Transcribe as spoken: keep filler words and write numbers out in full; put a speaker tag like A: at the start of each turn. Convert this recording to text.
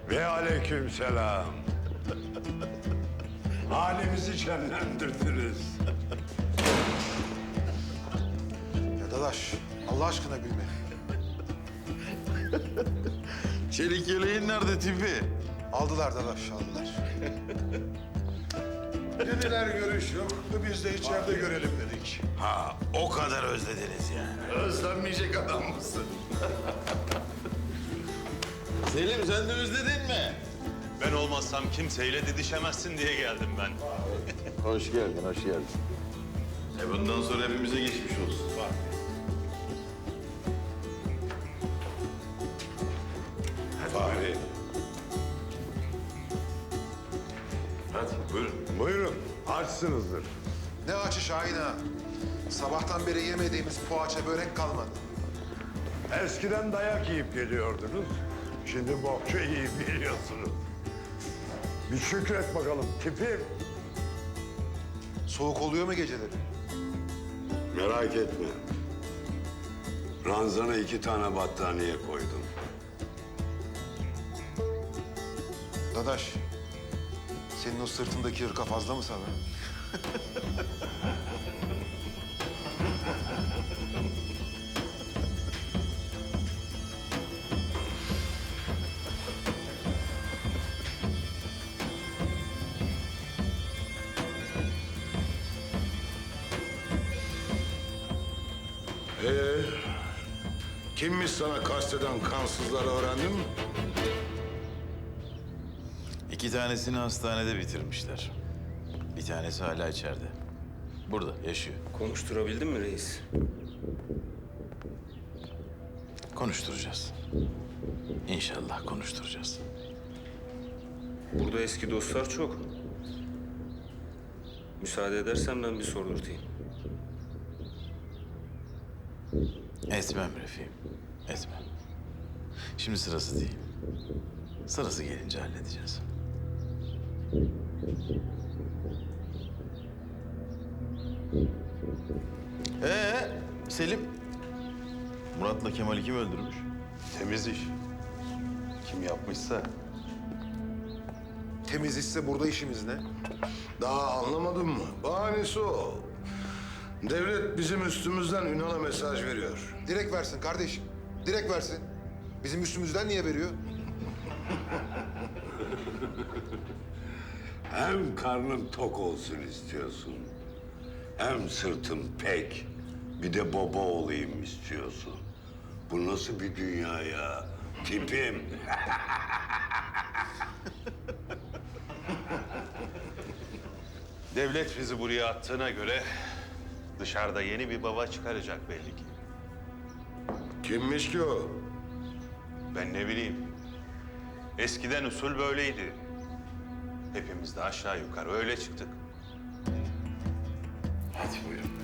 A: Ve aleykümselam. Halimizi şenlendirdiniz.
B: Ya dadaş, Allah aşkına gülme.
C: Çelik yeleğin nerede tipi?
B: Aldılar dadaş, aldılar.
D: Dediler görüş yok. Biz de içeride görelim dedik.
C: Ha, o kadar özlediniz yani.
D: Özlenmeyecek adam mısın?
C: Selim sen de özledin mi?
E: Ben olmazsam kimseyle didişemezsin diye geldim ben.
C: Hoş geldin, hoş geldin. E bundan sonra hepimize geçmiş olsun.
A: Fahri,
C: Hadi buyurun.
A: buyurun. Açsınızdır.
B: Ne açı Şahin ha. Sabahtan beri yemediğimiz poğaça börek kalmadı.
A: Eskiden dayak yiyip geliyordunuz. Şimdi bokça yiyip geliyorsunuz. Bir şükret bakalım tipim.
B: Soğuk oluyor mu geceleri?
A: Merak etme. Ranzana iki tane battaniye koydum.
B: Dadaş, senin o sırtındaki hırka fazla mı sana?
D: Ee, kimmiş sana kasteden kansızları öğrendin mi?
C: İki tanesini hastanede bitirmişler. Bir tanesi hala içeride. Burada yaşıyor.
F: Konuşturabildin mi reis?
C: Konuşturacağız. İnşallah konuşturacağız.
F: Burada eski dostlar çok. Müsaade edersen ben bir sordurtayım.
C: Etmem Refik'im, etmem. Şimdi sırası değil. Sırası gelince halledeceğiz. Ee, Selim. Murat'la Kemal'i kim öldürmüş?
D: Temiz iş. Kim yapmışsa.
B: Temiz işse burada işimiz ne?
D: Daha anlamadın mı? Bahanesi o. Devlet bizim üstümüzden Ünal'a mesaj veriyor.
B: Direkt versin kardeşim. Direkt versin. Bizim üstümüzden niye veriyor?
A: Hem karnım tok olsun istiyorsun. Hem sırtım pek. Bir de baba olayım istiyorsun. Bu nasıl bir dünya ya? Tipim.
E: Devlet bizi buraya attığına göre dışarıda yeni bir baba çıkaracak belli ki.
D: Kimmiş ki o?
E: Ben ne bileyim. Eskiden usul böyleydi. Hepimiz de aşağı yukarı öyle çıktık.
C: Hadi buyurun.